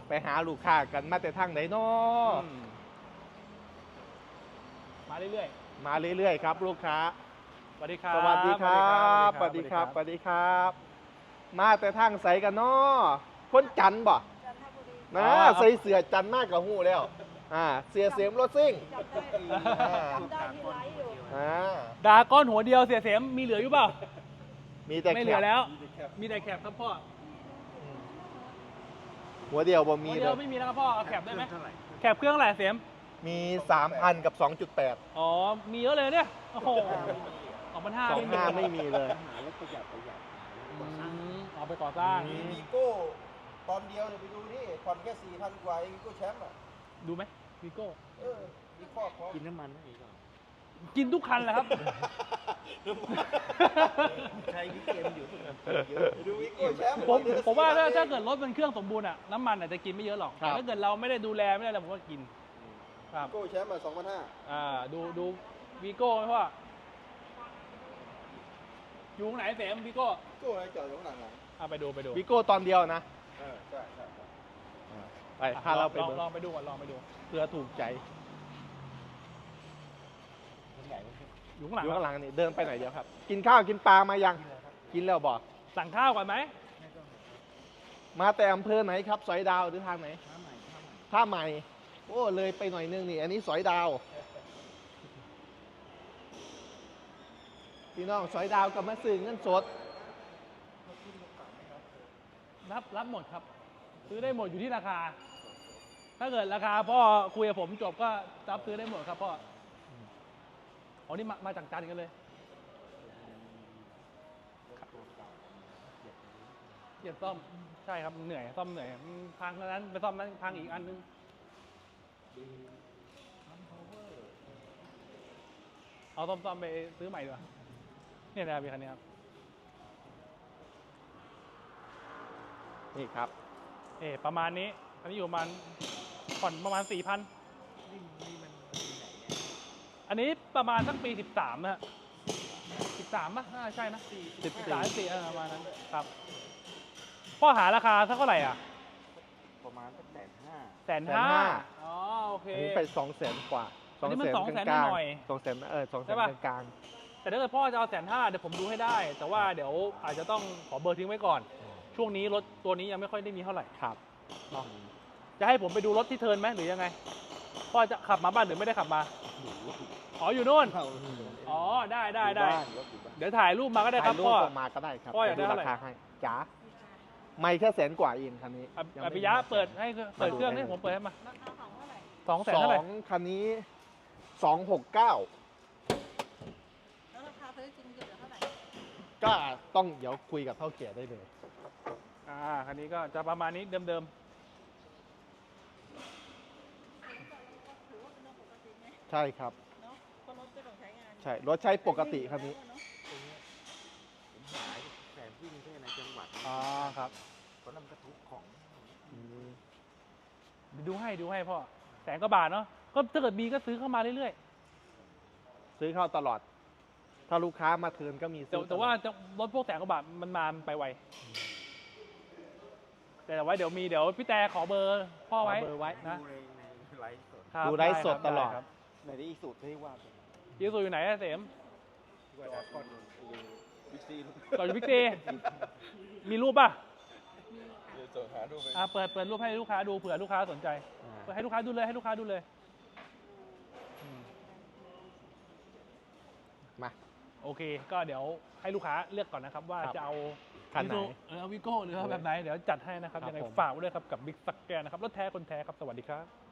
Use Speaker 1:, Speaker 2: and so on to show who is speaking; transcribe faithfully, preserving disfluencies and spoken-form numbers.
Speaker 1: ไปหาลูกค้ากันมาแต่ทางไหนเนาะ
Speaker 2: มาเรื่อย
Speaker 1: มาเรื่อยๆครับลูกค้า
Speaker 2: ๆสวัสดีครับ
Speaker 1: สวัสดีครับสวัสดีครับสวัสดีครับ มาแต่ทางใสกันเนาะคนจันทร์บ่นะใส่เสือจันทร์มากกับหูแล้วอ่าเสียเสียมรถซิ่งอ่า
Speaker 2: ดาก้อนหัวเดียวเสียเสียมมีเหลืออยู่เปล่า
Speaker 1: มีแต่
Speaker 2: ไม่
Speaker 1: แค
Speaker 2: เหลือ
Speaker 1: ป
Speaker 2: แล้ว มีแต่แคปครับพ่อ
Speaker 1: หัวเดียวบ่
Speaker 2: หั
Speaker 1: มี
Speaker 2: ว
Speaker 1: เล
Speaker 2: เดียวย ไม่มีแล้วครับพ่อเอาแคปได้ไหมแคปเครื่องเท่าไหร่เสียม
Speaker 1: มี สามพัน กับ สองจุดแปด
Speaker 2: อ๋อมีเยอะเลยเนี่ยโอ้โหสองพันห้า
Speaker 1: สองห้าไม่มีเลย
Speaker 2: เอาไปก่อสร้าง
Speaker 1: อื
Speaker 3: มี
Speaker 1: ม
Speaker 3: วีโก้ตอนเดียวเนี่ยไปดูนี่ผ่อนแค่สี่พันกว่าเองวีโก้แชมป์อ่ะ
Speaker 2: ดูไหมวีโก้
Speaker 3: เออมีครอบพร้อม
Speaker 4: กินน้ำมันได้อีกเหรอ
Speaker 2: กินทุกคันแหละครับ
Speaker 4: ใช้พี่เกมอยู่
Speaker 3: ไปดูวีโก้แชมป์
Speaker 2: ผม
Speaker 3: เดือนละ
Speaker 2: ผมว่าถ้า
Speaker 3: สี่พัน
Speaker 2: ถ้าเกิดรถมันเครื่องสมบูรณ์อะน้ำมันอาจจะกินไม่เยอะหรอก
Speaker 1: ครับ
Speaker 2: แต่ถ้าเกิดเราไม่ได้ดูแลไม่ได้อะไรผมก็กินครับ
Speaker 3: วีโก้แชมป์อ่ะสองพันห้า
Speaker 2: อ่าดูดูวีโก้ไหมพ่ออยู่ตรงไหนเสมวีโก้
Speaker 3: วีโก้อะไรจอดอยู่ข้างหลังหลัง
Speaker 2: อ่าไปดูไปดู
Speaker 1: วิโก้ตอนเดียวนะ
Speaker 3: เออใช่ใช่ใช่
Speaker 1: ไปพาเราไป
Speaker 2: ลอง
Speaker 1: เบิ่ง
Speaker 2: ลองไปดูก่อนลองไปดู
Speaker 1: เพื่อถูกใจ
Speaker 2: อยู่ข้างหลัง
Speaker 1: อยู่ข้างหลังนี่เดินไปไหนเดียวครับ กินข้าวกินปลามายัง กินแล้วบอก
Speaker 2: สั่งข้าวก่อนไหม
Speaker 1: มาแต่อำเภอไหนครับ สอยดาวหรือทางไหนท่าใหม่ โอ้เลยไปหน่อยนึงนี่ อันนี้สอยดาว พี่น้องสอยดาวกับมาซื้อเงินสด
Speaker 2: รับรับหมดครับ ซื้อได้หมดอยู่ที่ราคา ถ้าเกิดราคาพ่อคุยกับผมจบก็รับซื้อได้หมดครับพ่ออ๋อนี่มามาจากจันทร์กันเลยเหยียบซ่อมใช่ครับเหนื่อยซ่อมเหนื่อยมันพังนั้นไปซ่อมนั้นพังอีกอันนึงเอาซ่อมซ่อมไปซื้อใหม่ดีกว่าเนี่ยนะครับพี่คันนี้ครับ
Speaker 1: นี่ครับ
Speaker 2: เออประมาณนี้อันนี้อยู่ประมาณผ่อนประมาณสี่พันอันนี้ประมาณสักปีสิบสามนะฮะสิบสามป่ะน่าใช่นะ
Speaker 1: สิบ
Speaker 2: สิบ
Speaker 1: สี่
Speaker 2: สามสี่ประมาณนั้นครับพ่อหาราคาสักเท่าไหร่อ่ะ
Speaker 4: ประมาณสักแสนห้า
Speaker 2: แสนห้าอ๋อโอเค
Speaker 1: อันนี้ไปสองแสนกว่า
Speaker 2: อันนี้มัน
Speaker 1: ก
Speaker 2: สองแสน
Speaker 1: ลาง
Speaker 2: หน่อย
Speaker 1: สองแสนเออสองแส
Speaker 2: ใช่
Speaker 1: น
Speaker 2: ปะ
Speaker 1: กลาง
Speaker 2: แต่ถ้าเกิดพ่อจะเอาแสนห้าเดี๋ยวผมดูให้ได้ แต่ว่าเดี๋ยวอาจจะต้องขอเบอร์ทิ้งไว้ก่อน ช่วงนี้รถตัวนี้ยังไม่ค่อยได้มีเท่าไหร่
Speaker 1: ๆครับ
Speaker 2: เนาะจะให้ผมไปดูรถที่เทิร์นไหมหรือยังไงพ่อจะขับมาบ้านหรือไม่ได้ขับมาอ๋ออยู่นู่นอ๋อได้ได้ได้
Speaker 4: บ้านรถอยู่บ้าน
Speaker 2: เดี๋ยวถ่ายรูปมาก็ได้ครับ
Speaker 1: ถ่ายรูป
Speaker 2: พ่อ
Speaker 1: ออกมาก็ได้ครับ
Speaker 2: พ่ออยากได้
Speaker 1: ดู
Speaker 2: เท่า
Speaker 1: รา
Speaker 2: ไหร่
Speaker 1: คาให้จ๋าไม่แค่แสนกว่าเองคันนี้
Speaker 2: อ
Speaker 1: ยัง
Speaker 2: อ
Speaker 1: ไม่
Speaker 2: ภิยะเปิดให้เปิดเครื่องให้ผมเปิดให้มาสองแสน
Speaker 1: สอ
Speaker 2: เท่าไหร่
Speaker 1: งคันนี้สองหกเก้า
Speaker 5: แล้วราคาซื้อจริงอยู่เท่าไหร่
Speaker 1: ก็ต้องเดี๋ยวคุยกับเท่าแก่ได้เลย
Speaker 2: อ่าคันนี้ก็จะประมาณนี้เดิม
Speaker 5: ถือว่าเป็นเรื่องปกติไหม
Speaker 1: ใช่ครับ
Speaker 5: เนาะเพราะรถก็ต้องใช้งาน
Speaker 1: ใช่รถใช้ปกติคันนี้
Speaker 4: ผมหายแสนวิ่งแค่ในจังหวัด
Speaker 2: ๆอ๋อครับ
Speaker 4: เพราะนั่นกระทุกของ
Speaker 2: ดูให้ดูให้พ่อแสนกว่าบาทเนาะก็ถ้าเกิดมีก็ซื้อเข้ามาเรื่อย
Speaker 1: ซื้อเข้าตลอด ถ้าลูกค้ามาเทิร์นก็มี
Speaker 2: ๆแต่
Speaker 1: ซื้อ
Speaker 2: แต่ว่าจะรถพวกแสนกว่าบาทมันมามันไปไวแต่ไว้เดี๋ยวมีเดี๋ยวพี่แต่ขอเบอร์พ่อ
Speaker 1: ขอ
Speaker 2: ไว้
Speaker 1: เบอร์ไว้
Speaker 2: นะ
Speaker 4: ดูในในไลฟ์สด
Speaker 2: ครับ
Speaker 1: ดูไลฟ์สด
Speaker 2: ครับ
Speaker 1: ตลอด
Speaker 2: ไครับ
Speaker 4: ในที่สุดที่ว่าเป็น
Speaker 2: ยูซูอยู่ไหนอะเสม
Speaker 4: ว่าจะก่อนบิ๊กซี
Speaker 2: ต่ออยู่บิ๊กซีมีรูปป่ะ
Speaker 3: เดี๋ยวจะหาดูไป
Speaker 2: อ่าเปิดเปิดรูปให้ลูกค้าดูเผื่อลูกค้าสนใจเปิดให้ลูกค้าดูเลยให้ลูกค้าดูเลยอืม
Speaker 1: มา
Speaker 2: โอเค ก็เดี๋ยวให้ลูกค้าเลือกก่อนนะครับ ว่า
Speaker 1: ครับ
Speaker 2: จะเอา
Speaker 1: คันไหน
Speaker 2: วิโก้เออเอาวิโก้หรือเอาแบบไหน เดี๋ยวจัดให้นะครับ
Speaker 1: ครับ
Speaker 2: ยังไง
Speaker 1: ผม
Speaker 2: ฝากไว้ด้วยครับกับบิ๊กซักแกนนะครับรถแท้คนแท้ครับ สวัสดีครับ